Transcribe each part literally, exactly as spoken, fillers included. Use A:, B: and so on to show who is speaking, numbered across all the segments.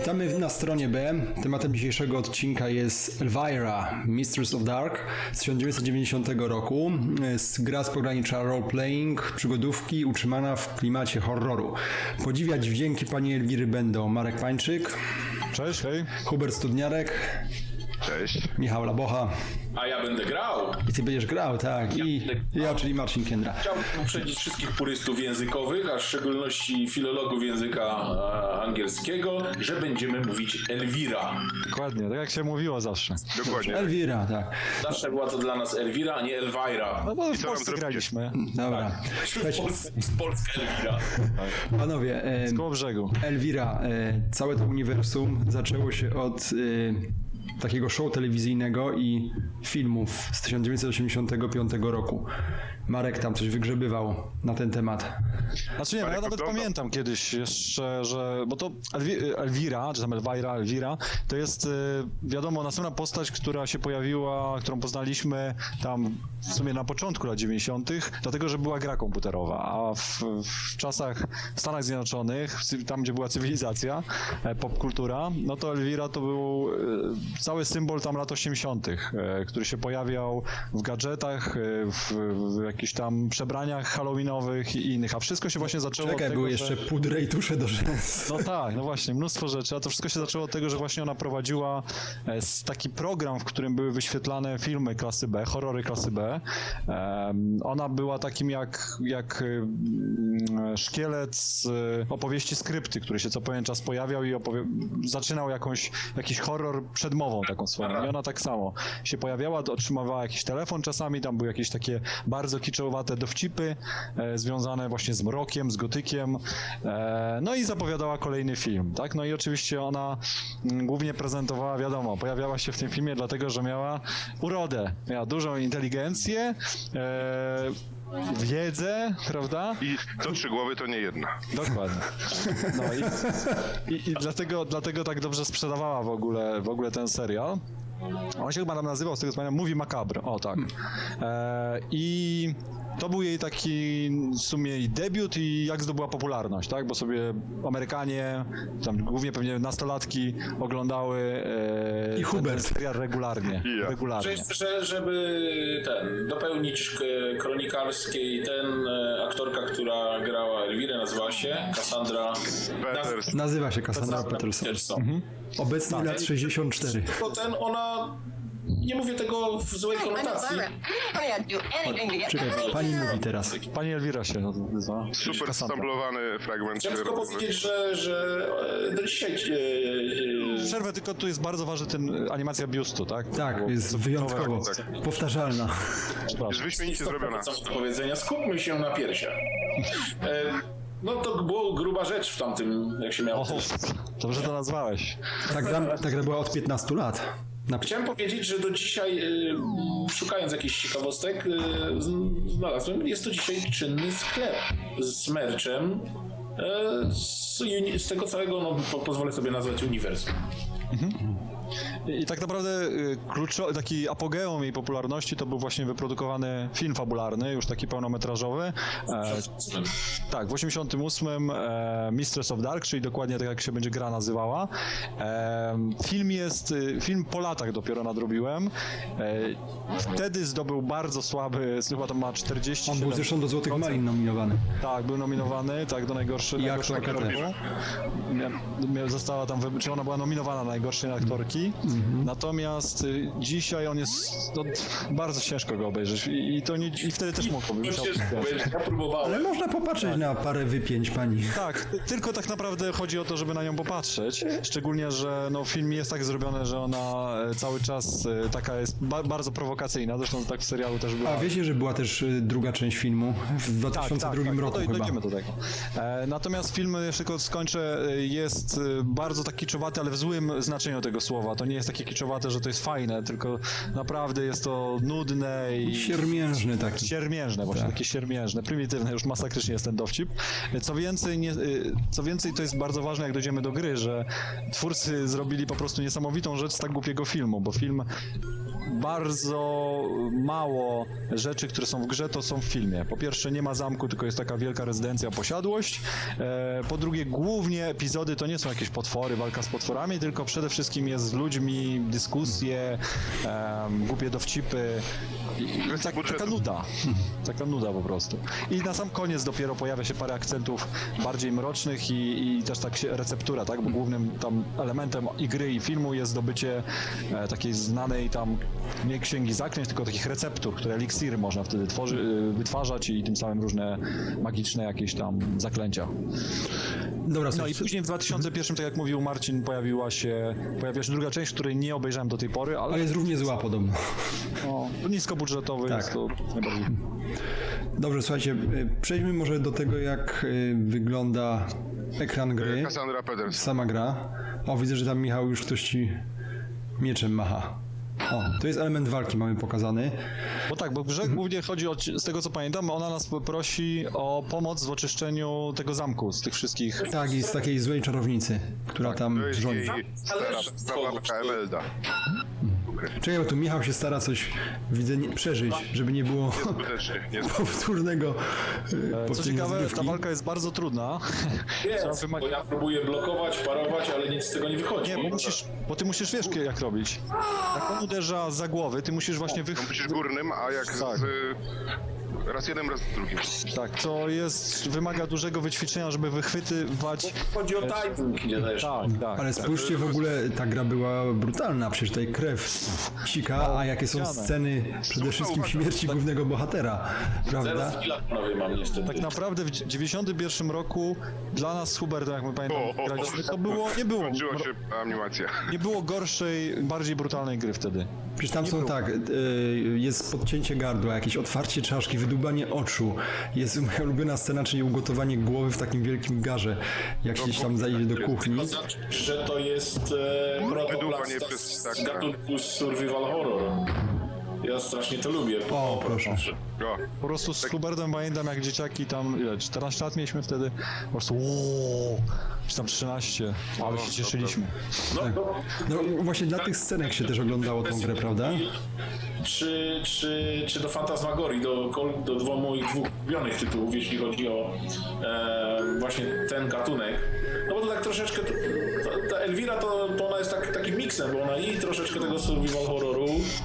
A: Witamy na stronie B. Tematem dzisiejszego odcinka jest Elvira, Mistress of Dark z tysiąc dziewięćset dziewięćdziesiątego roku. Jest gra z pogranicza role-playing, przygodówki, utrzymana w klimacie horroru. Podziwiać dźwięki pani Elwiry będą Marek Pańczyk.
B: Cześć, hej.
A: Hubert Studniarek.
C: Cześć.
A: Michał Labocha.
D: A ja będę grał.
A: I ty będziesz grał, tak.
D: Ja
A: I
D: będę
A: ja,
D: grał.
A: czyli Marcin Kiendra.
D: Chciałbym uprzedzić wszystkich purystów językowych, a w szczególności filologów języka e, angielskiego, że będziemy mówić Elvira.
B: Dokładnie, tak jak się mówiło zawsze.
C: Dokładnie.
A: Elvira, tak.
D: Zawsze była to dla nas Elvira, a nie Elvira.
B: No bo
C: I
B: w
C: co
B: Polsce
C: nam
B: graliśmy.
A: Dobra.
D: W
A: Słuchajcie,
D: Polsce, z Polska Elvira.
A: panowie, e,
B: Z koło brzegu.
A: Elvira, e, całe to uniwersum zaczęło się od e, takiego show telewizyjnego i filmów z tysiąc dziewięćset osiemdziesiątego piątego roku. Marek tam coś wygrzebywał na ten temat.
B: Znaczy nie, no ja
C: Marek
B: nawet
C: oglądał.
B: pamiętam kiedyś jeszcze, że... Bo to Elwi- Elvira, czy tam Elvira, Elvira, to jest y, wiadomo następna postać, która się pojawiła, którą poznaliśmy tam w sumie na początku lat dziewięćdziesiątych, dlatego, że była gra komputerowa, a w, w czasach w Stanach Zjednoczonych, tam gdzie była cywilizacja, e, popkultura, no to Elvira to był e, cały symbol tam lat osiemdziesiątych, e, który się pojawiał w gadżetach, e, w, w jakichś tam przebraniach halloweenowych i innych, a wszystko się właśnie zaczęło
A: Czekaj,
B: od tego,
A: były
B: że...
A: jeszcze pudry i tusze do rzęs.
B: No tak, no właśnie, mnóstwo rzeczy, a to wszystko się zaczęło od tego, że właśnie ona prowadziła e, s- taki program, w którym były wyświetlane filmy klasy B, horrory klasy B. Em, ona była takim jak, jak mm, szkielet z e, opowieści skrypty, który się co pewien czas pojawiał i opowie- zaczynał jakąś, jakiś horror przedmową taką swoją. I ona tak samo się pojawiała, otrzymywała jakiś telefon czasami, tam były jakieś takie bardzo kiczowate dowcipy e, związane właśnie z mrokiem, z gotykiem. E, no i zapowiadała kolejny film, tak? No i oczywiście ona mm, głównie prezentowała, wiadomo, pojawiała się w tym filmie dlatego, że miała urodę, miała dużą inteligencję, e, wiedzę, prawda?
C: I to trzy głowy to nie jedna.
B: Dokładnie. No i, i, i dlatego, dlatego tak dobrze sprzedawała w ogóle, w ogóle ten serial. On się chyba tam nazywał, z tego co pamiętam, Movie Macabre, o tak. E, I to był jej taki w sumie i debiut i jak zdobyła popularność, tak? Bo sobie Amerykanie, tam głównie pewnie nastolatki oglądały e,
A: I Hubert.
B: ten serial regularnie.
C: I ja.
B: regularnie.
D: Że, że, żeby ten, dopełnić k- kronikarskiej, ten e, aktorka, która grała Elvirę, nazywała się Cassandra
C: Peters.
A: Nazywa się Cassandra
D: Cassandra
A: Peterson.
D: Peterson.
A: Obecnie lat sześćdziesiąt cztery.
D: Tylko ten, ona, nie mówię tego w złej konotacji.
A: Czekaj, pani mówi teraz.
B: Pani Elvira się nazywa.
C: Super
B: Cassandra.
C: stamplowany fragment.
D: Chciałem tylko
C: rozmowy.
D: powiedzieć, że, że e, do dzisiaj e, e,
B: Przerwę, tylko tu jest bardzo ważny ten animacja biustu, tak?
A: Tak,
B: Było-
A: jest wyjątkowo
C: tak.
A: powtarzalna.
C: Jest
B: Przepraszam.
C: wyśmienicie zrobiona.
D: co do powiedzenia, skupmy się na piersiach. E, no to było gruba rzecz w tamtym, jak się miało.
B: O, dobrze to nazwałeś.
A: Ta gra, ta gra była od piętnastu lat. Na...
D: Chciałem powiedzieć, że do dzisiaj, e, szukając jakichś ciekawostek, e, z- znalazłem, jest to dzisiaj czynny sklep z merchem e, z, uni- z tego całego, no po, pozwolę sobie nazwać uniwersum.
B: I tak naprawdę y, kluczo, taki apogeum jej popularności to był właśnie wyprodukowany film fabularny, już taki pełnometrażowy. E, tak, w osiemdziesiątym ósmym e, Mistress of Dark, czyli dokładnie tak jak się będzie gra nazywała. E, film jest, y, film po latach dopiero nadrobiłem. E, wtedy zdobył bardzo słaby, chyba tam ma czterdzieści.
A: On był zresztą do Złotych Malin nominowany.
B: Tak, był nominowany, tak, do najgorszej.
A: I
B: najgorszej
A: aktorka
B: aktorki.
A: też.
B: Mia- mia- Została tam, wy- czy ona była nominowana na najgorszej aktorki. Natomiast y, dzisiaj on jest, no, bardzo ciężko go obejrzeć i, i to nie, i wtedy też mógłbym.
D: No
B: musiał-
D: przecież, ja próbowałem.
A: Ale można popatrzeć na parę wypięć pani.
B: Tak, tylko tak naprawdę chodzi o to, żeby na nią popatrzeć. Szczególnie, że no, film jest tak zrobiony, że ona e, cały czas e, taka jest ba- bardzo prowokacyjna. Zresztą tak w serialu też była.
A: A wiecie, że była też y, druga część filmu w dwa tysiące drugim
B: tak,
A: roku
B: no to
A: chyba.
B: dojdziemy do tego. E, natomiast film, jeszcze tylko skończę, e, jest e, bardzo tak kiczowaty, ale w złym znaczeniu tego słowa. To nie jest takie kiczowate, że to jest fajne, tylko naprawdę jest to nudne i
A: Siermiężny taki.
B: siermiężne, właśnie
A: Tak.
B: takie siermiężne, prymitywne, już masakrycznie jest ten dowcip. Co więcej, nie, y, co więcej, to jest bardzo ważne, jak dojdziemy do gry, że twórcy zrobili po prostu niesamowitą rzecz z tak głupiego filmu, bo film bardzo mało rzeczy, które są w grze, to są w filmie. Po pierwsze, nie ma zamku, tylko jest taka wielka rezydencja, posiadłość. E, po drugie, głównie epizody to nie są jakieś potwory, walka z potworami, tylko przede wszystkim jest z ludźmi, dyskusje, e, głupie dowcipy. I, i tak, taka nuda. Taka nuda po prostu. I na sam koniec dopiero pojawia się parę akcentów bardziej mrocznych i, i też tak się receptura, tak? Bo głównym tam elementem i gry i filmu jest zdobycie e, takiej znanej tam nie księgi zaklęć, tylko takich receptur, które eliksiry można wtedy tworzy, e, wytwarzać i tym samym różne magiczne jakieś tam zaklęcia.
A: Dobra,
B: No
A: słuchaj,
B: i później w dwa tysiące pierwszym, tak jak mówił Marcin, pojawiła się, pojawiła się druga część, której nie obejrzałem do tej pory, ale
A: ale jest równie zła podobno.
B: no, niskobudżetowy
A: Tak.
B: jest to najbardziej.
A: Dobrze, słuchajcie, y, przejdźmy może do tego, jak y, wygląda ekran gry,
C: Cassandra Peters.
A: sama gra. O, widzę, że tam Michał już ktoś ci mieczem macha. O, to jest element walki, mamy pokazany.
B: Bo tak, bo w grze głównie chodzi o, z tego co pamiętam, ona nas prosi o pomoc w oczyszczeniu tego zamku z tych wszystkich.
A: Tak, i z takiej złej czarownicy, która tam
C: To jest
A: rządzi.
C: jej stara,
D: Zależy od
C: stara
D: kogo.
C: Emelda.
A: Czekaj, bo tu Michał się stara coś, widzę, nie, przeżyć, żeby nie było
C: Skutecznie, nie
A: powtórnego y,
B: Co
A: powtórzenia
B: ciekawe, ta
A: rozgrywki.
B: walka jest bardzo trudna. Trzeba
D: Jest,
B: wyma-
D: bo ja próbuję blokować, parować, ale nic z tego nie wychodzi.
B: Nie, bo musisz, bo ty musisz wiesz jak robić. Jak on uderza za głowę, ty musisz właśnie wych...
C: musisz górnym, a jak
B: Tak.
C: z... Raz jednym, raz drugim.
B: Tak, co jest, wymaga dużego wyćwiczenia, żeby wychwytywać...
D: Chodzi o timing, nie też.
B: Tak, tak.
A: Ale spójrzcie, w ogóle ta gra była brutalna, przecież tutaj krew sika, a jakie są
B: ścianę.
A: sceny przede wszystkim śmierci głównego bohatera, prawda?
D: Zaraz chwila, panowie, mam niestety.
B: Tak naprawdę w dziewięćdziesiątym pierwszym roku dla nas z Hubertem, jak my pamiętam,
C: O, o, o.
B: graliśmy, to było, nie było,
C: Kończyła się animacja.
B: nie było gorszej, bardziej brutalnej gry wtedy.
A: Przecież tam są tak, y, jest podcięcie gardła, jakieś otwarcie czaszki, wydubanie oczu, jest moja ulubiona scena, czyli ugotowanie głowy w takim wielkim garze, jak gdzieś tam zajdzie do kuchni.
D: To znaczy, że to jest e,
C: Wydłubanie
D: protoplast
C: przez
D: z
C: ptaka.
D: gatunku survival horror. Ja strasznie to lubię.
A: O, proszę.
C: O,
B: Po prostu z Hubertem pamiętam jak dzieciaki tam, ile, czternaście lat mieliśmy wtedy, po prostu ooo, czy tam trzynaście, ale się cieszyliśmy.
D: No, to,
A: No właśnie dla tych scenek się też oglądało tą grę, prawda?
D: Czy, czy, czy do Fantasmagorii, do, kol- do dwóch moich dwóch ulubionych tytułów, jeśli chodzi o e, właśnie ten gatunek. No bo to tak troszeczkę, to, ta Elvira to, to ona jest tak, takim miksem, bo ona i troszeczkę tego survival horroru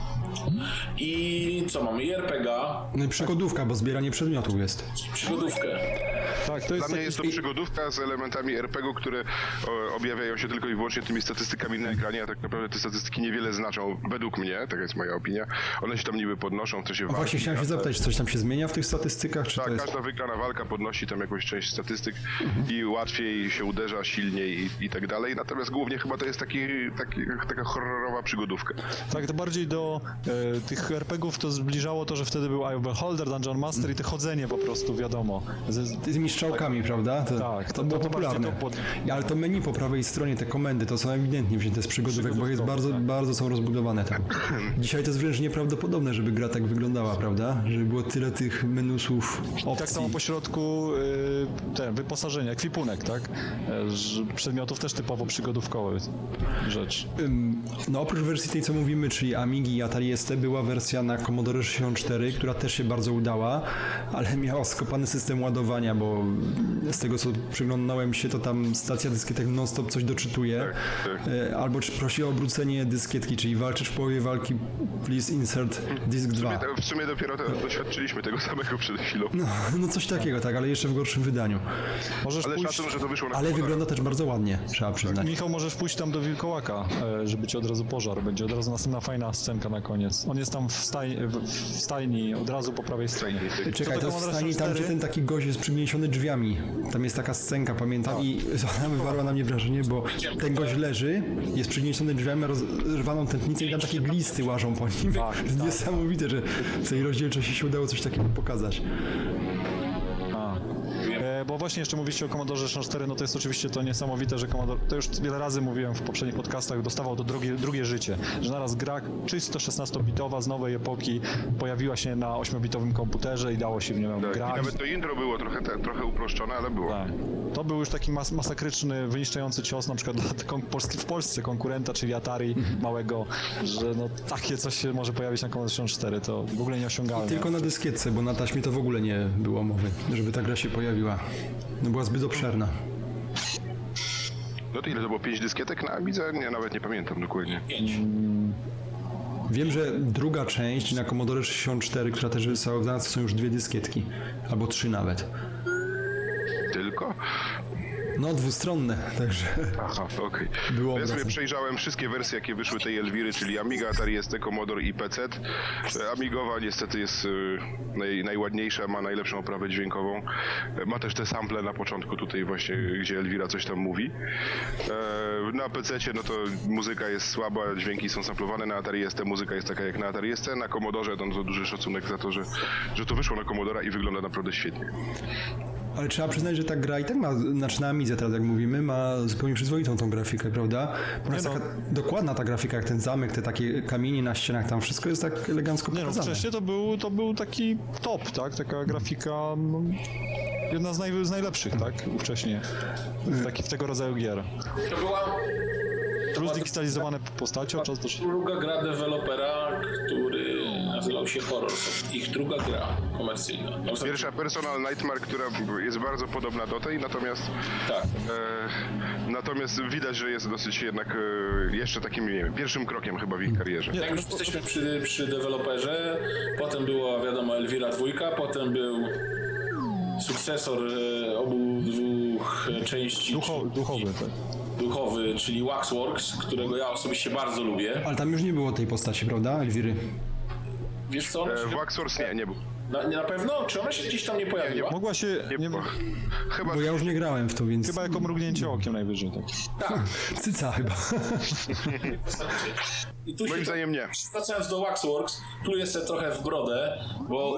D: i co mamy, i er pe gie a,
A: No i przygodówka, bo zbieranie przedmiotów jest.
D: przygodówkę.
B: Tak, to
C: Dla
B: jest
C: mnie
B: taki...
C: jest to przygodówka z elementami er pe gie u, które o, objawiają się tylko i wyłącznie tymi statystykami na ekranie, a tak naprawdę te statystyki niewiele znaczą, według mnie, taka jest moja opinia. One się tam niby podnoszą w czasie
A: A
C: walki.
A: właśnie chciałem się zapytać, czy coś tam się zmienia w tych statystykach, czy to
C: Tak,
A: jest...
C: każda wygrana walka podnosi tam jakąś część statystyk i łatwiej się uderza, silniej i, i tak dalej. Natomiast głównie chyba to jest taki, taki, taka horrorowa przygodówka.
B: Tak, to bardziej do e, tych er pe gie ów to zbliżało to, że wtedy był Eye of Beholder, Dungeon Master i te chodzenie po prostu, wiadomo. Z, z,
A: Tymi strzałkami, prawda? To,
B: Tak,
A: to
B: to-
A: było
B: to bardziej
A: popularne.
B: to pod-
A: Ale to menu po prawej stronie, te komendy, to są ewidentnie wzięte z przygodówek, bo jest bardzo,
B: tak.
A: bardzo są rozbudowane tam. Dzisiaj to jest wręcz nieprawdopodobne, żeby gra tak wyglądała, prawda? Żeby było tyle tych menusów, opcji.
B: tak samo po środku y, ten, wyposażenie, ekwipunek, tak? E, że przedmiotów też typowo przygodówkowe rzecz.
A: Ym, No oprócz wersji tej, co mówimy, czyli Amigi i Atari S T, była wersja na Commodore sześćdziesiąt cztery, która też się bardzo udała, ale miała skopany system ładowania, bo z tego, co przyglądałem się, to tam stacja dyskietek non-stop coś doczytuje,
C: tak.
A: E, albo czy prosi o obrócenie dyskietki, czyli walczysz w połowie walki, please insert disk
C: W sumie,
A: dwa.
C: w sumie dopiero to, doświadczyliśmy tego samego przed chwilą.
A: No, no coś takiego, tak, ale jeszcze w gorszym wydaniu.
B: Możesz
C: Ale
B: pójść,
C: szacun, że to wyszło na
A: Ale
C: komputerach.
A: wygląda też bardzo ładnie, trzeba przyznać.
B: Michał, możesz pójść tam do wilkołaka, e, żeby ci od razu pożar, będzie od razu następna fajna scenka na koniec. On jest tam w, staj, w, w stajni, od razu po prawej stronie.
A: Czekaj,
B: Co
A: to
B: do
A: w
B: Commodore
A: stanie tam, gdzie
B: cztery?
A: ten taki gość jest przygniesiony drzwiami. Tam jest taka scenka, pamiętam, i ona wywarła na mnie wrażenie, bo ten gość leży, jest przygniesiony drzwiami, ma rozrwaną tętnicę i tam takie glisty łażą po nim.
B: Tak,
A: Jest niesamowite, że w tej rozdzielczości się udało coś takiego pokazać.
B: A.
D: Wiem,
B: E, bo właśnie jeszcze mówiliście o Commodore sześćdziesiąt cztery, no to jest oczywiście to niesamowite, że Commodore, to już wiele razy mówiłem w poprzednich podcastach, dostawał to drugie, drugie życie, że naraz gra czysto szesnastobitowa z nowej epoki pojawiła się na ośmiobitowym komputerze i dało się w nią
C: Tak,
B: grać.
C: i nawet to intro było trochę, te, trochę uproszczone, ale było.
B: Tak. To był już taki mas masakryczny, wyniszczający cios na przykład dla kon- Polski, w Polsce konkurenta, czyli Atari małego, że no takie coś się może pojawić na Commodore sześćdziesiąt cztery, to w ogóle nieosiągalne.
A: Tylko na dyskietce, bo na taśmie to w ogóle nie było mowy, żeby ta gra się pojawiła. No była zbyt obszerna.
C: No to ile to było? Pięć dyskietek na Amidze? Nie, nawet nie pamiętam dokładnie.
D: Pięć.
A: Wiem, że druga część na Commodore sześćdziesiąt cztery, która też została wydana, to są już dwie dyskietki. Albo trzy nawet.
C: Tylko?
A: No, dwustronne, także
C: Aha, okej.
A: Było
C: Ja sobie
A: obecne.
C: przejrzałem wszystkie wersje, jakie wyszły tej Elwiry, czyli Amiga, Atari S T, Commodore i P C. E, Amigowa niestety jest e, naj, najładniejsza, ma najlepszą oprawę dźwiękową. E, Ma też te sample na początku tutaj właśnie, gdzie Elwira coś tam mówi. E, Na P C no to muzyka jest słaba, dźwięki są samplowane, na Atari S T muzyka jest taka jak na Atari S T, na Commodore no to duży szacunek za to, że, że to wyszło na Commodora i wygląda naprawdę świetnie.
A: ale trzeba przyznać, że ta gra i tak ma, znaczy na Amidze teraz jak mówimy, ma zupełnie przyzwoitą tą grafikę, prawda? Ona jest
B: Nie no.
A: taka dokładna ta grafika, jak ten zamek, te takie kamienie na ścianach, tam wszystko jest tak elegancko
B: Nie no,
A: pokazane.
B: wcześniej to był, to był taki top, tak? Taka grafika, no, jedna z, naj, z najlepszych, tak? Wcześniej, w, taki, w tego rodzaju gier.
D: To była
B: Plus digitalizowane postacią, czas też...
D: druga gra dewelopera, który nazywał się Horrorsoft. Ich druga gra komercyjna. No,
C: Pierwsza Personal Nightmare, która jest bardzo podobna do tej, natomiast
D: Tak.
C: e, natomiast widać, że jest dosyć jednak e, jeszcze takim, nie wiem, pierwszym krokiem chyba w ich karierze.
D: Jak już jesteśmy przy, przy deweloperze, potem była wiadomo Elvira dwójka, potem był sukcesor e, obu dwóch części.
B: Ducho, duchowy, tak.
D: duchowy, czyli Waxworks, którego ja osobiście bardzo lubię.
A: Ale tam już nie było tej postaci, prawda, Elwiry?
D: Wiesz co? Ona
C: E,
D: się,
C: w Waxworks nie, nie był.
D: na, nie na pewno? Czy ona się gdzieś tam nie pojawiła?
B: Mogła się,
C: Nie,
B: nie,
C: było. Chyba
A: Bo ja już nie grałem w to, więc...
B: chyba jako mrugnięcie okiem najwyżej, tak.
D: Tak.
A: Cyca chyba.
D: I tu
C: moim
D: się,
C: zdaniem nie.
D: wracając do Waxworks, pluję sobie trochę w brodę, bo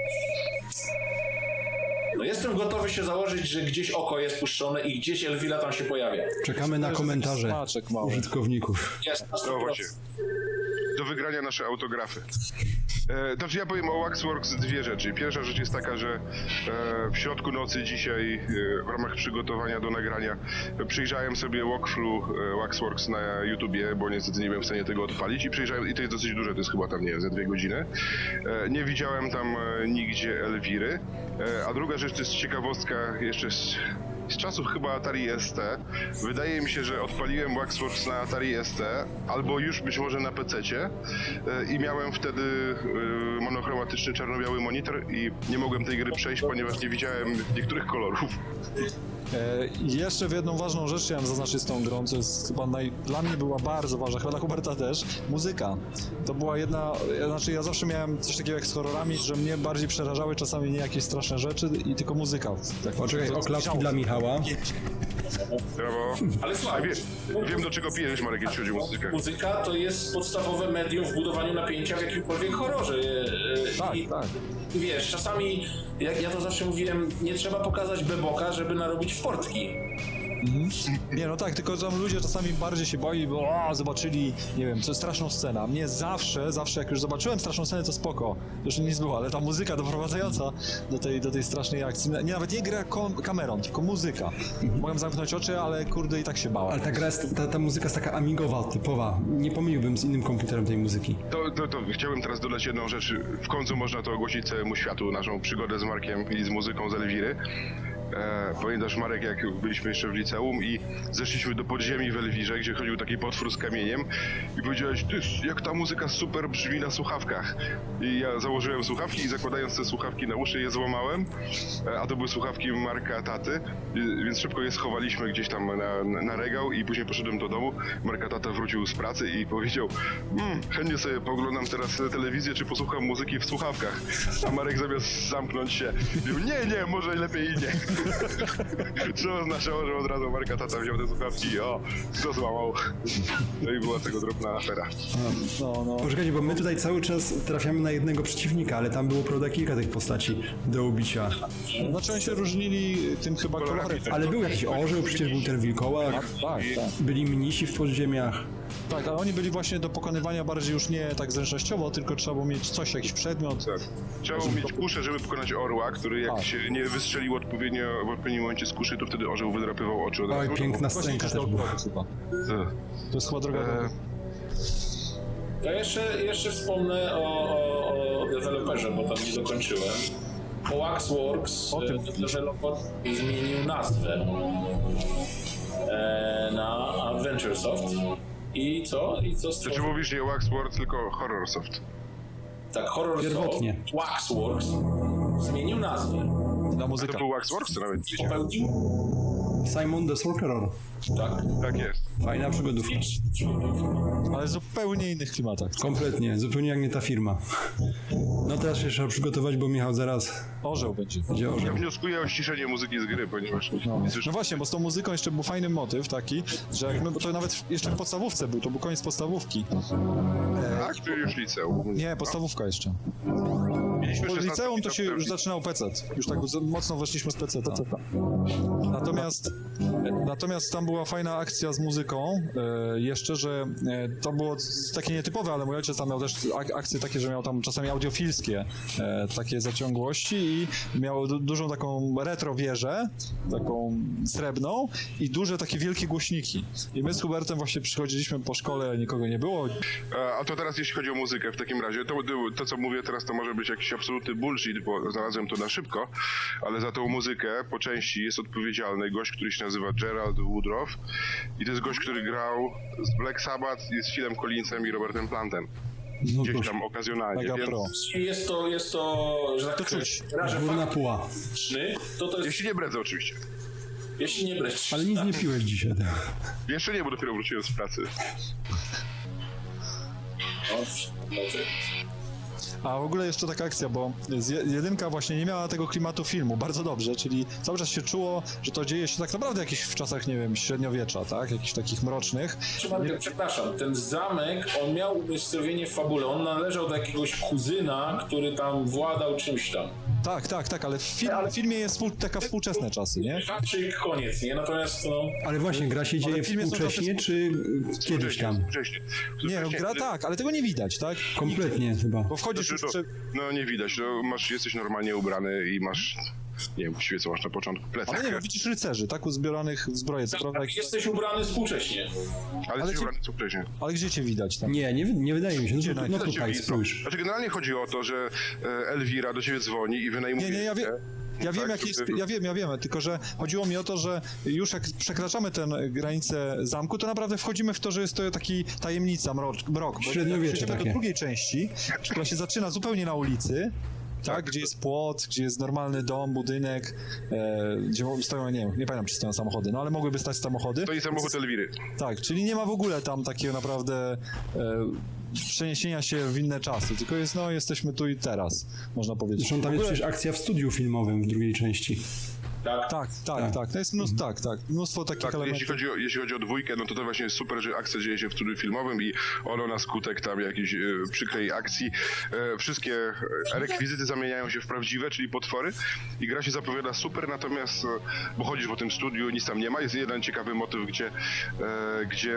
D: no jestem gotowy się założyć, że gdzieś oko jest puszczone i gdzieś Elvira tam się pojawia.
A: Czekamy na
B: To jest
A: komentarze
B: taki smaczek mały.
A: użytkowników.
D: Jest na sto
C: No właśnie.
D: procent.
C: Do wygrania nasze autografy. E, to ja powiem o Waxworks dwie rzeczy. Pierwsza rzecz jest taka, że e, w środku nocy dzisiaj e, w ramach przygotowania do nagrania e, przyjrzałem sobie walkthrough e, Waxworks na YouTubie, bo niestety nie byłem w stanie tego odpalić i przyjrzałem, i to jest dosyć duże, to jest chyba tam, nie wiem, ze dwie godziny. E, nie widziałem tam e, nigdzie Elwiry. E, a druga rzecz to jest ciekawostka jeszcze z, z czasów chyba Atari S T. Wydaje mi się, że odpaliłem Waxworks na Atari S T, albo już być może na pececie e, i miałem wtedy e, monochromatyczny czarno-biały monitor i nie mogłem tej gry przejść, ponieważ nie widziałem niektórych kolorów.
B: E, i jeszcze w jedną ważną rzecz chciałem zaznaczyć z tą grą, co jest chyba naj... dla mnie była bardzo ważna, chyba dla Huberta też, muzyka. To była jedna, ja- znaczy ja zawsze miałem coś takiego jak z horrorami, że mnie bardziej przerażały czasami nie jakieś straszne rzeczy i tylko muzyka. Tak,
A: Poczekaj,
B: to-
A: oklaski dla Michała.
C: Brawo.
D: Ale słuchaj,
C: Wiem, wiem do czego pijesz, Marek, jeśli chodzi o muzykę.
D: muzyka to jest podstawowe medium w budowaniu napięcia w jakimkolwiek horrorze. E,
B: Tak,
D: I,
B: tak.
D: Wiesz, czasami, jak ja to zawsze mówiłem, nie trzeba pokazać beboka, żeby narobić w portki.
B: Nie, no tak, tylko tam ludzie czasami bardziej się boi, bo o, zobaczyli, nie wiem, co straszną scenę. A mnie zawsze, zawsze jak już zobaczyłem straszną scenę, to spoko. Już nic było, ale ta muzyka doprowadzająca do tej, do tej strasznej akcji. Nie, nawet nie gra kom- kamerą, tylko muzyka. Mogłem zamknąć oczy, ale kurde i tak się bałem.
A: Ale ta gra jest, ta, ta muzyka jest taka amigowa, typowa. Nie pomyliłbym z innym komputerem tej muzyki.
C: To, to, to chciałbym teraz dodać jedną rzecz. W końcu można to ogłosić całemu światu, naszą przygodę z Markiem i z muzyką z Elwiry. E, pamiętasz, Marek, jak byliśmy jeszcze w liceum i zeszliśmy do podziemi w Elwirze, gdzie chodził taki potwór z kamieniem i powiedziałeś, ty, jak ta muzyka super brzmi na słuchawkach. I ja założyłem słuchawki i zakładając te słuchawki na uszy je złamałem, e, a to były słuchawki Marka taty, i, więc szybko je schowaliśmy gdzieś tam na, na, na regał i później poszedłem do domu. Marka tata wrócił z pracy i powiedział, mmm, chętnie sobie poglądam teraz telewizję, czy posłucham muzyki w słuchawkach. A Marek zamiast zamknąć się, mówił, nie, nie, może lepiej i nie. Co oznaczało, że od razu Marka tata wziął te słuchawki i o, co złamał. No i była tego drobna afera.
B: No, no.
A: Poczekajcie, bo my tutaj cały czas trafiamy na jednego przeciwnika, ale tam było, prawda, kilka tych postaci do ubicia.
B: Znaczy oni się różnili tym chyba kolorem.
A: Ale był jakiś orzeł, przecież był ten wilkołak,
B: Tak, tak.
A: byli mnisi w podziemiach.
B: Tak, ale oni byli właśnie do pokonywania bardziej już nie tak zręcznościowo, tylko trzeba było mieć coś, jakiś przedmiot.
C: Tak. Trzeba było mieć kuszę, żeby pokonać orła, który jak
B: A.
C: się nie wystrzelił odpowiednio w odpowiednim momencie z kuszy, to wtedy orzeł wydrapywał oczy od
A: Oj,
C: razu.
A: piękna
B: Właśnie
A: scenka
B: gdzieś
A: też
B: do
A: była.
B: ogrodu chyba.
C: Tak.
B: To jest chyba droga do...
C: E,
D: Ja jeszcze, jeszcze wspomnę o, o, o deweloperze, bo tam nie dokończyłem. Bo Waxworks,
B: O tym.
D: e, deweloper zmienił nazwę e, na Adventuresoft. I co? I co
C: Znaczy
D: stworzył?
C: mówisz nie Waxworld, tylko Horrorsoft.
D: Tak, Horrorsoft,
A: Pierwotnie.
D: Waxworks zmienił nazwę.
B: Na
C: To
B: muzyka.
C: był Waxworks, to nawet nie wiedziałem.
D: Popełnił?
A: Simon the Sorcerer.
D: Tak.
C: Tak jest.
A: Fajna przygodówka.
B: Ale w zupełnie innych klimatach.
A: Kompletnie, zupełnie jak nie ta firma. No teraz się trzeba przygotować, bo Michał zaraz
B: Orzeł będzie.
A: będzie
C: Ja
A: orzeł.
C: wnioskuję o ściszenie muzyki z gry, ponieważ
B: No.
C: nie słyszę.
B: no właśnie, bo z tą muzyką jeszcze był fajny motyw taki, że jak my, bo to nawet jeszcze w podstawówce był, to był koniec podstawówki.
C: Tak, czy już liceum?
B: Nie, podstawówka jeszcze.
C: Mieliśmy
B: Po
C: szesnaście
B: liceum to się
C: lat
B: już
C: temu.
B: zaczynał P C. Już tak mocno weszliśmy z P C. Natomiast, natomiast tam była fajna akcja z muzyką e, jeszcze, że e, to było takie nietypowe, ale mój ojciec tam miał też ak akcje takie, że miał tam czasami audiofilskie e, takie zaciągłości i miał du dużą taką retro wieżę, taką srebrną i duże takie wielkie głośniki. I my z Hubertem właśnie przychodziliśmy po szkole, nikogo nie było.
C: A a to teraz jeśli chodzi o muzykę w takim razie, to, to co mówię teraz to może być jakiś absolutny bullshit, bo znalazłem to na szybko, ale za tą muzykę po części jest odpowiedzialny gość, który się nazywa Gerald Woodruff i to jest gość, który grał z Black Sabbath i z Philem Collinsem i Robertem Plantem.
A: No
C: Gdzieś
A: proszę,
C: tam okazjonalnie,
B: Mega
C: więc
B: Pro.
D: Jest to, jest to, że tak
B: To
D: powiem,
B: czuć.
D: raże
A: górna puła.
D: faktyczny, to to jest,
C: jeśli nie bredzę oczywiście.
D: jeśli nie brać.
A: Ale nic nie piłeś dzisiaj. Tak.
C: Jeszcze nie, bo dopiero wróciłem z pracy.
B: A w ogóle jeszcze taka akcja, bo z je- jedynka właśnie nie miała tego klimatu filmu bardzo dobrze, czyli cały czas się czuło, że to dzieje się tak naprawdę jakiś w czasach, nie wiem, średniowiecza, tak? Jakichś takich mrocznych.
D: Przepraszam, przepraszam, ten zamek, on miał umiejscowienie w fabule, on należał do jakiegoś kuzyna, który tam władał czymś tam.
B: Tak, tak, tak, ale w, film, w filmie jest współ, taka współczesne czasy, nie?
D: Haczyk, koniec, nie? Natomiast no...
A: Ale właśnie, gra się dzieje
B: w filmie są
A: współcześnie,
B: czasy-
A: czy y, kiedyś tam?
C: Wcześniej.
B: Nie, no,
C: Wcześniej,
B: gra
C: wtedy-
B: tak, ale tego nie widać, tak?
A: Kompletnie chyba.
B: Bo wchodzisz już
C: Znaczy,
B: przy...
C: to, no nie widać, no, masz, jesteś normalnie ubrany i masz, nie wiem, właściwie co masz na początku, plecak.
B: Ale nie, no, widzisz rycerzy, tak? Uzbieranych w zbroję, co prawda, jak...
D: Jesteś ubrany współcześnie.
C: ale
B: ale
C: jesteś
B: ci-
C: ubrany co wcześniej.
B: ale gdzie cię widać tam?
A: Nie, nie, nie wydaje mi się. No,
B: Gdzie
A: to,
B: na-
A: no
B: gdzie
A: tutaj,
C: Ciebie-
A: spójrz.
C: Znaczy generalnie chodzi o to, że e, Elwira do ciebie dzwoni i wynajmuje...
B: Nie, nie, ja wiem. Ja wiem,
C: Tak,
B: jak jest,
C: żeby-
B: ja wiem, ja wiem, tylko że chodziło mi o to, że już jak przekraczamy tę granicę zamku, to naprawdę wchodzimy w to, że jest to taki tajemnica, mrok. mrok bo
A: Średniowiecze
B: jak przejdziemy
A: takie.
B: do drugiej części, która się zaczyna zupełnie na ulicy, tak, gdzie jest płot, gdzie jest normalny dom, budynek, e, gdzie stoją, nie wiem, nie pamiętam, czy stoją samochody, no ale mogłyby stać samochody.
C: To i samochód Elwiry.
B: Tak, czyli nie ma w ogóle tam takiego naprawdę e, przeniesienia się w inne czasy, tylko jest, no, jesteśmy tu i teraz, można powiedzieć.
A: Zresztą tam
B: W
A: jest
B: ogóle-
A: przecież akcja w studiu filmowym w drugiej części.
D: Tak.
B: Tak, tak, tak, to jest mnóstwo, tak, tak, mnóstwo takich
C: Tak,
B: elementów.
C: jeśli chodzi, o, jeśli chodzi o dwójkę, no to to właśnie jest super, że akcja dzieje się w studiu filmowym i ono na skutek tam jakiejś e, przykrej akcji e, wszystkie e, rekwizyty zamieniają się w prawdziwe, czyli potwory i gra się zapowiada super, natomiast e, bo chodzisz po tym studiu, nic tam nie ma. Jest jeden ciekawy motyw, gdzie, e, gdzie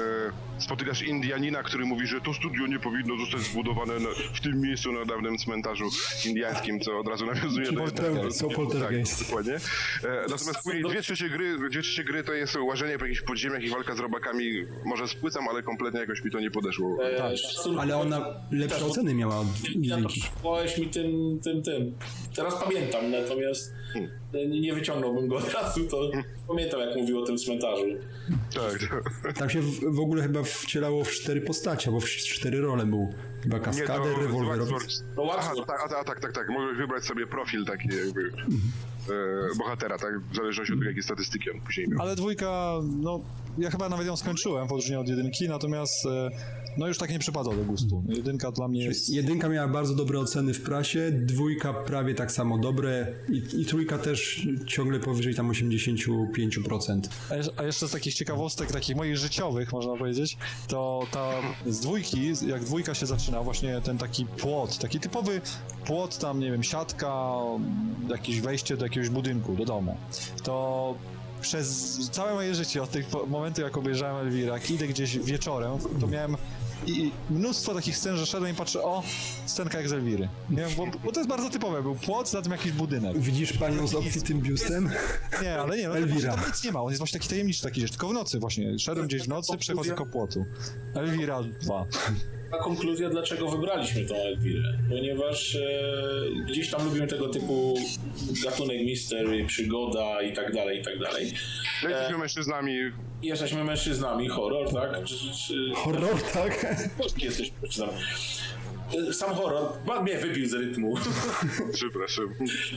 C: e, spotykasz Indianina, który mówi, że to studio nie powinno zostać zbudowane na, w tym miejscu na dawnym cmentarzu indiańskim, co od razu nawiązuje do
A: Poltergeist, to poltergeist.
C: Tak, dokładnie. E, natomiast później dwie trzecie gry, dwie trzecie gry to jest łażenie po jakichś podziemiach i walka z robakami. Może spłycam, ale kompletnie jakoś mi to nie podeszło.
D: E, szacunku-
A: Ale ona lepsze oceny miała od
D: Ja to
A: jedynki.
D: przywołałeś mi tym, tym, tym. Teraz pamiętam, natomiast e, nie wyciągnąłbym go od razu, to pamiętam, jak mówił o tym cmentarzu.
C: Tak, tak.
A: Tam się w, w ogóle chyba wcielało w cztery postacie, bo w cztery role był. Chyba
C: Nie,
A: kaskader,
C: to
A: rewolwerowiec.
C: Waxworks.
D: To
C: Aha,
D: Waxworks.
C: tak, a, a, tak, tak, tak. Możesz wybrać sobie profil taki jakby e, bohatera, tak? W zależności od tego, jakie statystyki on później miał.
B: Ale dwójka, no, ja chyba nawet ją skończyłem w odróżnieniu od jedynki, natomiast e, no już tak nie przypada do gustu. Jedynka dla mnie jest...
A: Jedynka miała bardzo dobre oceny w prasie, dwójka prawie tak samo dobre i, i trójka też ciągle powyżej tam osiemdziesiąt pięć procent.
B: A jeż- A jeszcze z takich ciekawostek, takich moich życiowych, można powiedzieć, to ta z dwójki, jak dwójka się zaczyna, właśnie ten taki płot, taki typowy płot, tam nie wiem, siatka, jakieś wejście do jakiegoś budynku, do domu, to przez całe moje życie, od tego momentu jak obejrzałem Elwira, jak idę gdzieś wieczorem, to miałem i mnóstwo takich scen, że szedłem i patrzę, o, scenka jak z Elwiry. Nie wiem, bo, bo to jest bardzo typowe, był płot, za tym jakiś budynek.
A: Widzisz panią z obfitym biustem?
B: Nie, ale nie, no,
A: Elwira.
B: tam nic nie ma, on jest właśnie taki tajemniczy, taki rzecz, tylko w nocy właśnie, szedłem gdzieś w nocy, przechodzę koło płotu. Elwira dwa.
D: Ta konkluzja, dlaczego wybraliśmy tą Elwirę. Ponieważ e, gdzieś tam lubimy tego typu gatunek mystery, przygoda i tak dalej, i tak dalej.
C: No jesteśmy mężczyznami.
D: Jesteśmy mężczyznami, horror, tak? Czy, czy,
A: Horror, tak?
D: Polski jesteśmy mężczyznami. E, Sam horror, pan mnie wybił z rytmu.
C: Przepraszam.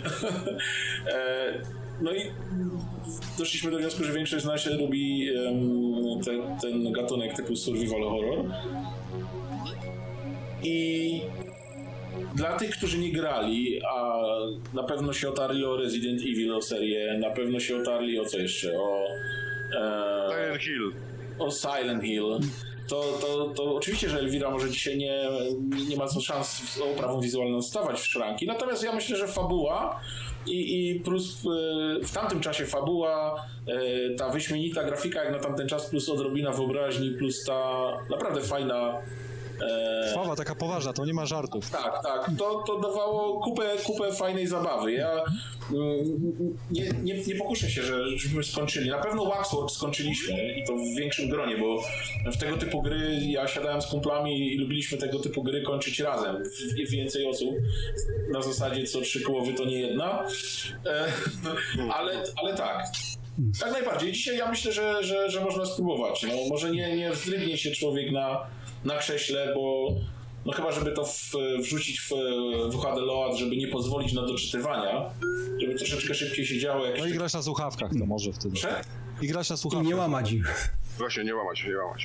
D: e, no i doszliśmy do wniosku, że większość z nas lubi em, te, ten gatunek typu survival horror. I dla tych, którzy nie grali, a na pewno się otarli o Resident Evil, o serię, na pewno się otarli o co jeszcze, o, e,
C: Silent Hill.
D: o Silent Hill, to, to, to oczywiście, że Elvira może dzisiaj nie, nie ma szans z oprawą wizualną stawać w szranki, natomiast ja myślę, że fabuła i, i plus w, w tamtym czasie fabuła, e, ta wyśmienita grafika jak na tamten czas, plus odrobina wyobraźni, plus ta naprawdę fajna
B: Sława taka poważna, to nie ma żartów.
D: Tak, tak. To, to dawało kupę, kupę fajnej zabawy. Ja mm, nie, nie, nie pokuszę się, że, żebyśmy skończyli. Na pewno Waxworks skończyliśmy i to w większym gronie, bo w tego typu gry ja siadałem z kumplami i lubiliśmy tego typu gry kończyć razem. W, więcej osób. Na zasadzie co trzy połowy to nie jedna. E, ale, ale tak. Tak najbardziej. Dzisiaj ja myślę, że, że, że można spróbować. No, może nie, nie wzdrygnie się człowiek na, na krześle, bo no chyba, żeby to w, wrzucić w, w H D Load, żeby nie pozwolić na doczytywania, żeby troszeczkę szybciej się działo. Jak
B: No i
D: jeszcze...
B: grać na słuchawkach to może wtedy.
D: Proszę?
B: I grać na
A: I
B: słuchawkach.
A: nie łamać ich.
C: Właśnie, nie łamać, nie łamać.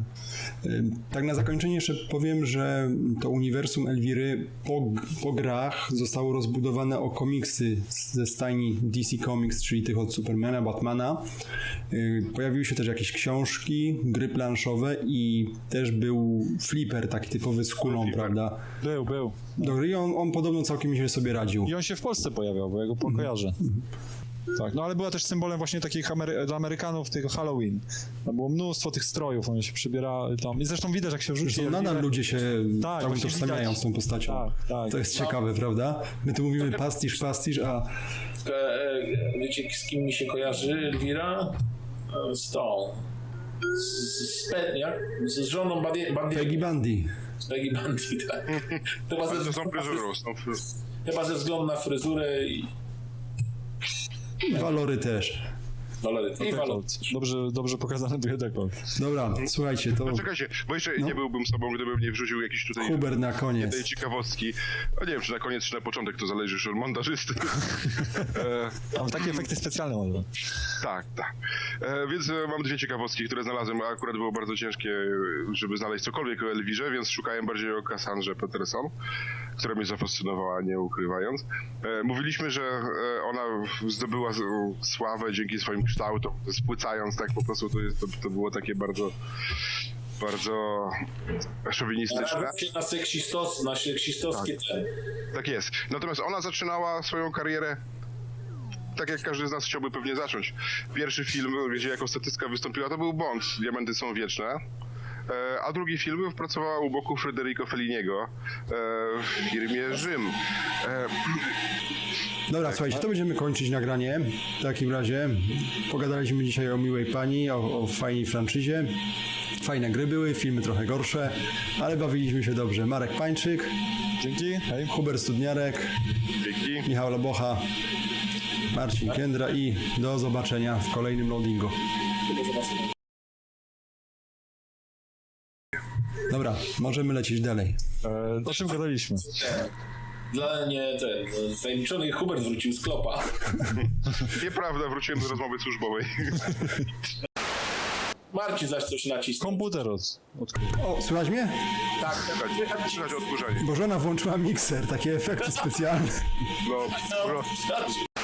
A: Tak na zakończenie jeszcze powiem, że to uniwersum Elwiry po, po grach zostało rozbudowane o komiksy ze stajni D C Comics, czyli tych od Supermana, Batmana. Pojawiły się też jakieś książki, gry planszowe i też był flipper taki typowy z kulą,
C: Flipper.
A: prawda?
B: Był, był.
A: Do gry on, on podobno całkiem źle sobie radził.
B: I on się w Polsce pojawiał, bo ja go kojarzę. Tak, no ale była też symbolem właśnie takich Amery- dla Amerykanów tego Halloween. Tam było mnóstwo tych strojów, one się przybierali tam. I zresztą widać, jak się wrzuci.
A: Zresztą nadal ludzie się
B: Tak,
A: tam
B: właśnie
A: utożsamiają
B: widać.
A: z tą postacią.
B: Tak, tak.
A: To jest ciekawe, prawda? My tu mówimy pastisz, pastisz, a
D: E, e, wiecie, z kim mi się kojarzy Elvira? E, Z tą. Z, z, Pe- jak? z żoną Bandi- Bandi-
A: Peggy Bundy.
D: z Peggy Bundy, tak. Chyba
C: Ale
D: ze,
C: to są fryzurą, są fryzurą.
D: chyba ze względu na fryzurę i
A: Walory też.
D: walory. I walory.
B: Dobrze, dobrze pokazany był dekolt.
A: Dobra, słuchajcie, to
C: No czekajcie, bo jeszcze
A: No.
C: nie byłbym sobą, gdybym nie wrzucił jakiś tutaj
A: Hubert na
C: tej
A: koniec.
C: ciekawostki. No nie wiem, czy na koniec, czy na początek, to zależy już od montażysty. e,
B: Tam takie efekty specjalne może.
C: tak, tak. E, więc e, mam dwie ciekawostki, które znalazłem, a akurat było bardzo ciężkie, e, żeby znaleźć cokolwiek o Elwirze, więc szukałem bardziej o Cassandrze Peterson, która mnie zafascynowała, nie ukrywając. E, mówiliśmy, że e, ona zdobyła z, sławę dzięki swoim kształtom, spłycając tak po prostu, to, jest, to, to było takie bardzo, bardzo szowinistyczne.
D: Nawet się na seksistos, na seksistowskie ten.
C: Tak jest. Natomiast ona zaczynała swoją karierę tak jak każdy z nas chciałby pewnie zacząć. Pierwszy film, gdzie jako statystka wystąpiła, to był Bond, Diamenty są wieczne. E, A drugi film pracowała u boku Federico Felliniego e, w firmie Rzym. E,
A: Dobra, słuchajcie, to będziemy kończyć nagranie. W takim razie pogadaliśmy dzisiaj o miłej pani, o, o fajnej franczyzie. Fajne gry były, filmy trochę gorsze, ale bawiliśmy się dobrze. Marek Pańczyk,
B: Dzięki, hej.
A: Hubert Studniarek,
C: Dzięki.
A: Michał Lobocha, Marcin Kędra i do zobaczenia w kolejnym loadingu. Dobra, możemy lecieć dalej.
B: E, o czym gadaliśmy?
D: Dla mnie ten tajemniczony Hubert wrócił z klopa.
C: Nieprawda, wróciłem do rozmowy służbowej.
D: Marcin zaś coś nacisnął.
B: Komputer od, odkrył.
A: O, słychać mnie?
D: Tak, tak.
C: Słychać, słychać odkurzanie.
A: Bo żona włączyła mikser, takie efekty specjalne.
C: No,
D: No,
C: pro-
D: znaczy,